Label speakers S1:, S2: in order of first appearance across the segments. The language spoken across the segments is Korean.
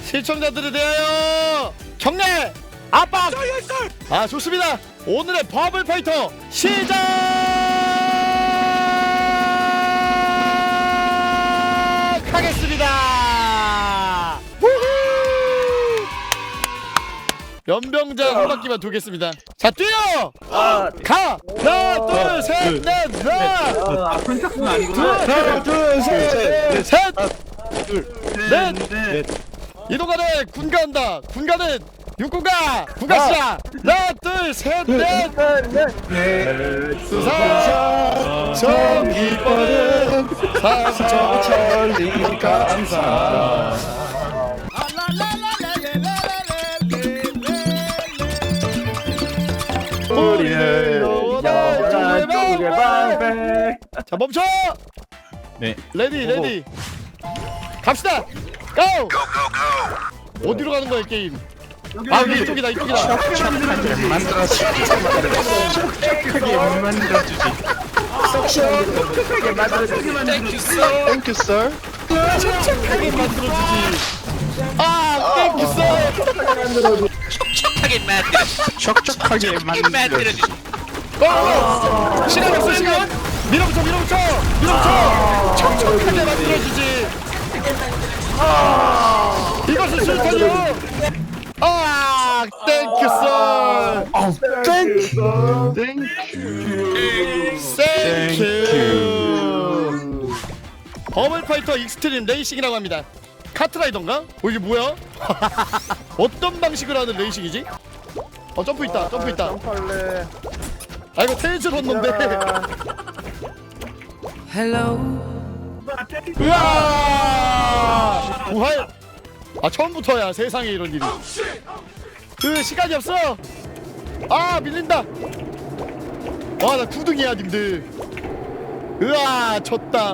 S1: 시청자들에 대하여 경례 압박. 아 좋습니다. 오늘의 버블 파이터 시작하겠습니다. 연병장 한 바퀴만 돌겠습니다. 자 뛰어. 가. 하나 둘 셋 넷 나.
S2: 아픈 짝은 아니구나.
S1: 하나 둘 셋 셋. 넷. 이동가는 군가 한다. 군가는 육군가. 군가 시작. 하나 둘 셋 넷. 수상 정기권은 삼천천리 감사. 우리는 여자 쪽의 방패. 자 멈춰.
S3: 네.
S1: 레디 갑시다. 고! 어디로 가는 거야 게임? 아 이쪽이다.
S3: 만들어주지. 촉촉하게 만들어주지. Thank you, sir.
S1: 촉촉하게 만들어주지. 아 땡큐 써.
S3: 촉촉하게 만들어주지.
S1: 시간 없어 시간. 밀어붙여. 촉촉하게 만들어주지. 이것은 술탄이요. 아 땡큐 써. 땡큐. 버블파이터 익스트림 레이싱이라고 합니다. 카트라이더인가? 이게 뭐야? 어떤 방식으로 하는 레이싱이지? 점프 있다. 아 이거 테이즈 런던데. 우와 부활. 아 처음부터야 세상에 이런 일이. 시간이 없어. 아 밀린다. 와 나 9등이야 님들. 으아 졌다.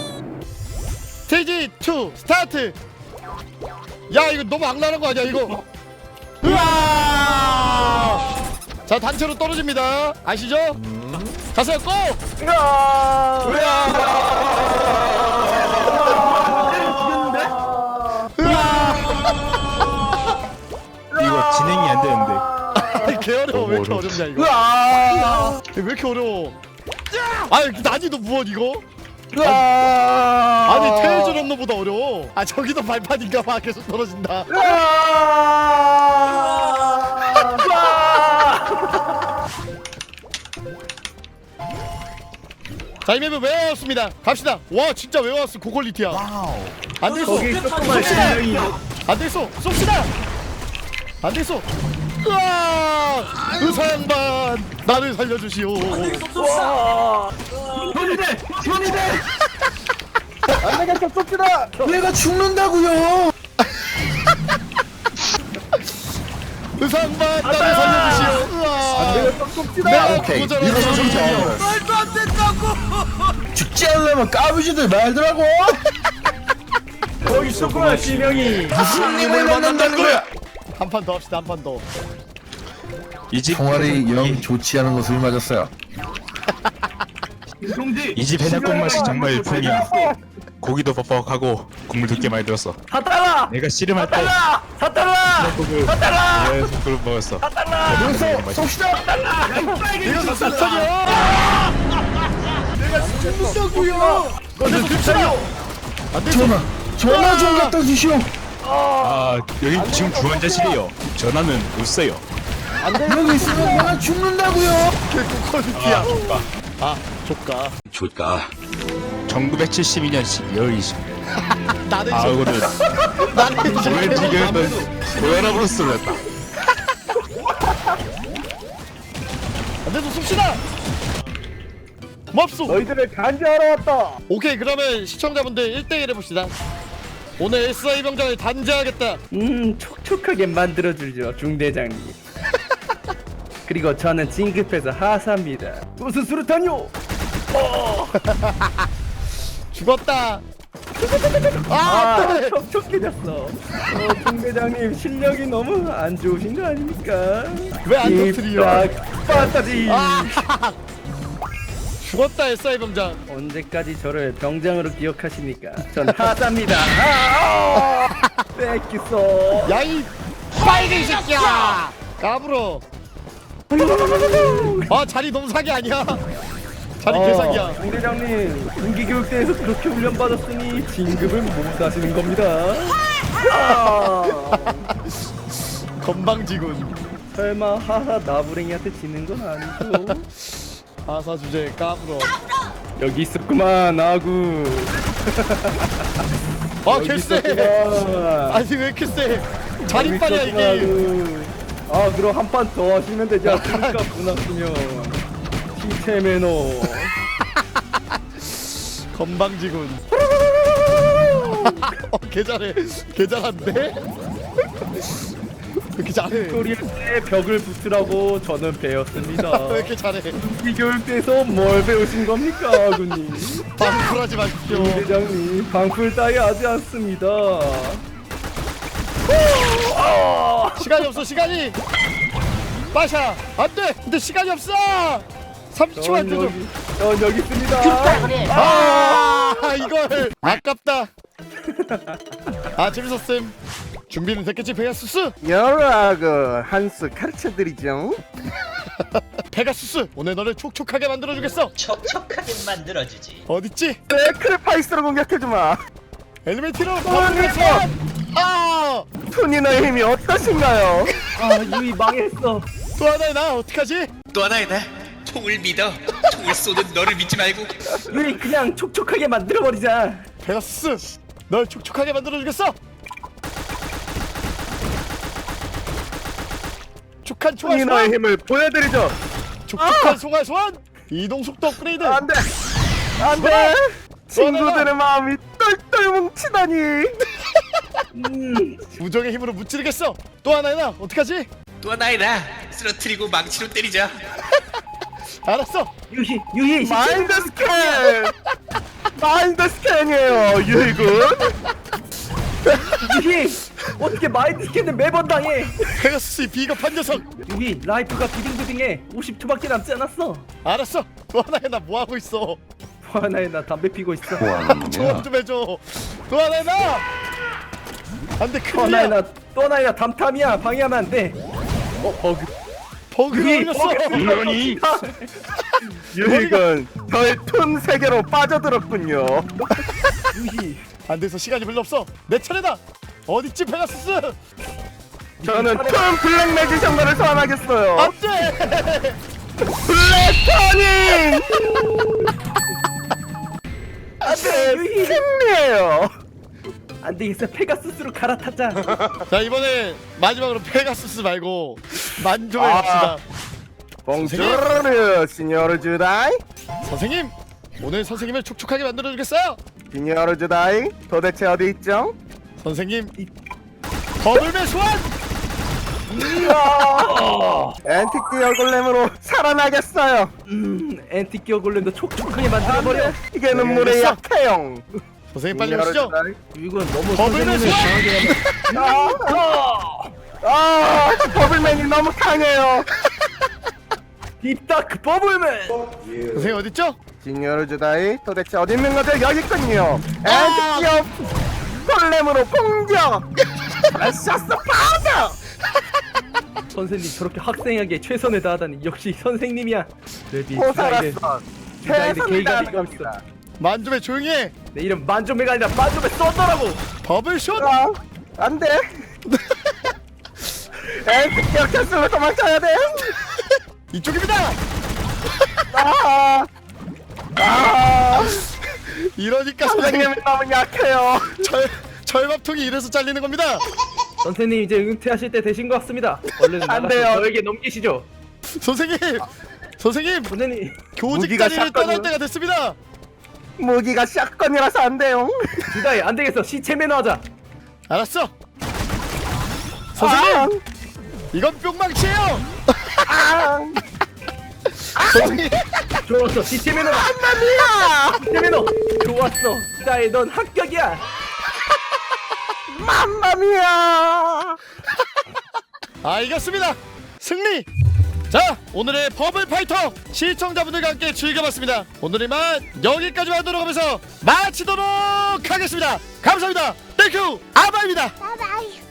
S1: 스테이지 2 스타트. 야 이거 너무 악랄한 거 아니야 이거. 으아 자 단체로 떨어집니다. 아시죠? 가세요 고!
S3: 이거 진행이 안 되는데.
S1: 개 어려워. 왜 이렇게 어렵냐 이거. 왜 이렇게 어려워. 아 난이도 무엇 이거? 아니 테이즈 런너보다 어려워. 아 저기도 발판인가 봐. 계속 떨어진다. 자 이 맵은 외웠습니다. 갑시다. 와 진짜 외웠어. 고퀄리티야. 안되겠어. 쏩시다. 안되겠어. 쏩시다. 안되겠어. 으아 의사양반 나를 살려주시오.
S2: 현이대. 안되겠어 쏩시다.
S4: 내가 죽는다고요.
S1: 의사양반 나를 살려주시오. 으아
S2: 안되겠어 쏩시다.
S1: 내가
S4: 오케이.
S1: 고절하는
S4: 이거 좀
S1: 사람이요.
S2: 말도 안 된다고.
S4: 죽지 않으려면 까부지들 말더라고.
S2: 거기 있었구나 실명이.
S4: 무슨 님을 만난다는 거야?
S1: 한 판 더 합시다. 한 판 더.
S3: 이집
S4: 총알이 영 좋지 않은 것을 맞았어요.
S3: 이집 해장국 맛이 정말 일품이야. 고기도 뻑뻑하고 국물 두께 많이 들었어.
S2: 4달러.
S3: 내가 씨름할 때
S2: 4달러.
S3: 계속 그걸 먹었어.
S4: 여기서 쏩시다.
S1: 이거 사탄이야.
S2: 죽는다고요.
S1: 너네 씁시다.
S4: 전화 좀 갖다 주시오.
S3: 아 여기 지금 주원자실이요. 전화는 없어요.
S4: 여기 있으면 내가 죽는다고요.
S1: 고퀄리티야. 아 조까.
S3: 1972년 12월 20일.
S1: 나는
S3: 아우는
S1: 나는
S3: 조회지경은 고혈압으로 쓰러졌다.
S1: 안돼도 씁시다. 고맙소.
S2: 너희들을 간지하러 왔다.
S1: 오케이 그러면 시청자분들 1대1 해봅시다. 오늘 SI 병장을 단죄하겠다.
S5: 촉촉하게 만들어주죠 중대장님. 그리고 저는 진급해서 하사입니다.
S2: 무슨 수류탄이요?
S1: 죽었다. 아, 네.
S5: 촉촉해졌어. 중대장님 실력이 너무 안 좋으신 거 아닙니까?
S1: 왜 안 터뜨려?
S5: 빠따지.
S1: 죽었다 SI 병장.
S5: 언제까지 저를 병장으로 기억하십니까? 전 하사입니다. 뺏겼어.
S1: 야이 빨갱이 새끼야 까불어. 아 자리 너무 사기 아니야? 자리 개사기야.
S5: 중대장님 군기 교육대에서 그렇게 훈련받았으니 진급을 못 하시는 겁니다.
S1: 건방지군.
S5: 설마 하하 나부랭이한테 지는 건 아니죠?
S1: 아사 주제 까불어.
S5: 여기 있었구만 아구.
S1: 아
S5: 여기
S1: 개쎄.
S5: 있었구만.
S1: 아니 왜 이렇게 쎄? 자리빨이야
S5: 여기
S1: 이게.
S5: 있었구만, 아구. 아 그럼 한 판 더 하시면 되지 않습니까? 분났으면 시체 매너.
S1: 건방지군. 개 잘해. 개 잘한데? 왜 이렇게 잘해?
S5: 튜토리얼 때 벽을 붙으라고 저는 배웠습니다.
S1: 왜 이렇게 잘해?
S5: 이 교육대에서 뭘 배우신 겁니까 아구님?
S1: 방풀하지 마십시오.
S5: 대장님 방풀 따위 하지 않습니다.
S1: 시간이 없어 시간이. 빠샤 안돼. 근데 시간이 없어. 30초만 더 좀.
S5: 전 여기 있습니다.
S1: 아 이걸 아깝다. 아 재밌었음. 준비는 됐겠지 페가수스?
S2: 여러분 한수 가르쳐드리죠.
S1: 페가수스 오늘 너를 촉촉하게 만들어주겠어.
S6: 촉촉하게 만들어주지.
S1: 어딨지?
S2: 세크리파이스로 공격해주마.
S1: 엘리메이터로 버블에서. 아!
S2: 투니너의 힘이 어떠신가요?
S5: 아 유이 망했어.
S1: 또 하나의 나 어떡하지?
S6: 또 하나의 나 총을 믿어. 총을 쏘는 너를 믿지 말고.
S5: 유이 그냥 촉촉하게 만들어버리자.
S1: 페가수스 널 촉촉하게 만들어주겠어. 촉촉한 총알
S2: 투니너의
S1: 소환.
S2: 힘을 보여드리죠.
S1: 촉촉한 총알 소환. 이동 속도 업그레이드.
S2: 안돼 안돼. 친구들의 마음이 똘똘 뭉치다니.
S1: 우정의 힘으로 무찌르겠어. 또 하나의 나 어떡하지?
S6: 또 하나의 나 쓰러뜨리고 망치로 때리자.
S1: 알았어.
S5: 유희
S2: 마인드 스캔. 마인드 스캔이에요 유희군.
S5: 유희 어떻게 마인드 스캔을 매번 당해?
S1: 페가수스의 비겁한 녀석.
S5: 유희 라이프가 비딩비딩해. 50초밖에 남지 않았어.
S1: 알았어. 또 하나의 나 뭐하고 있어?
S5: 또 하나에 나 담배 피고 있어.
S1: 조언 좀 해줘. 또 하나의 나. 안돼
S5: 또 하나에
S1: 큰일이야.
S5: 나또 하나에 나 담탐이야. 방해하면 안 돼.
S1: 버그가 걸렸어.
S2: 이러니 유희군 저의 툰 세계로 빠져들었군요.
S5: 유희
S1: 안 돼서 시간이 별로 없어. 내 차례다. 어딨지 페가수스?
S2: 저는 툰 블랙 매지션가를 소환하겠어요.
S1: 안돼.
S2: 블랙 터닝.
S5: 안돼 유희
S2: 승리예요.
S5: 안 되겠어. 페가수스로 갈아타자.
S1: 자 이번에 마지막으로 페가수스 말고 만조에
S2: 아.
S1: 갑시다.
S2: 봉주르 시니어르 주다이.
S1: 선생님 오늘 선생님을 촉촉하게 만들어주겠어요.
S2: 시니어르 주다이 도대체 어디 있죠?
S1: 선생님 버블맨 소환.
S2: 앤틱 얼굴렘으로 살아나겠어요.
S5: 앤티키어 골렘도 촉촉하게 만들어버려.
S2: 이게 눈물의
S1: 알겠어.
S2: 약해요.
S1: 선생님 빨리 오시죠.
S5: 이건 너무
S1: 버블맨
S5: 선생님을
S1: 소환.
S2: 아, 버블맨이 너무 강해요.
S5: 딥다크 버블맨.
S1: 선생님 어딨죠?
S2: 시니어르 주다이 도대체 어디 있는 거죠? 여기 있군요. 앤틱 골렘으로 공격. 샤스 파더.
S5: 선생님 저렇게 학생에게 최선을 다하다니 역시 선생님이야. 레디
S2: 호살았어.
S5: 주다이드
S2: 최선을
S5: 게이가 비고
S2: 다합니다.
S1: 만조에 조용히 해.
S5: 내 이름 만조메가 아니라 만조메 썼더라고.
S1: 버블쇼.
S2: 아, 안 돼. 앤틱 캔슬로 도망쳐야 돼.
S1: 이쪽입니다.
S2: 아,
S1: 이러니까 선생님
S2: 선생님이 너무 약해요.
S1: 절밥통이 이래서 잘리는 겁니다.
S5: 선생님 이제 은퇴하실 때 되신 것 같습니다. 얼른
S2: 안
S5: 나가서
S2: 돼요.
S5: 저에게 넘기시죠.
S1: 선생님 선생님
S5: 선생님
S1: 교직
S2: 무기가
S1: 자리를 떠날
S2: 샷건이요?
S1: 때가 됐습니다.
S2: 무기가 샷건이라서 안 돼요.
S5: 주다이 안 되겠어. 시체 매너하자.
S1: 알았어. 선생님
S2: 아,
S1: 이건 뿅망치예요.
S2: 아,
S1: 선생님
S5: 좋았어. 시체 매너.
S2: 맘마미야,
S5: 시체 매너. 좋았어. 주다이 넌 합격이야.
S2: 맘마미야.
S1: 아 이겼습니다. 승리. 자 오늘의 버블 파이터 시청자분들과 함께 즐겨봤습니다. 오늘의 맛 여기까지만 하도록 하면서 마치도록 하겠습니다. 감사합니다. 땡. 땡큐 아바입니다.
S7: 바이바이.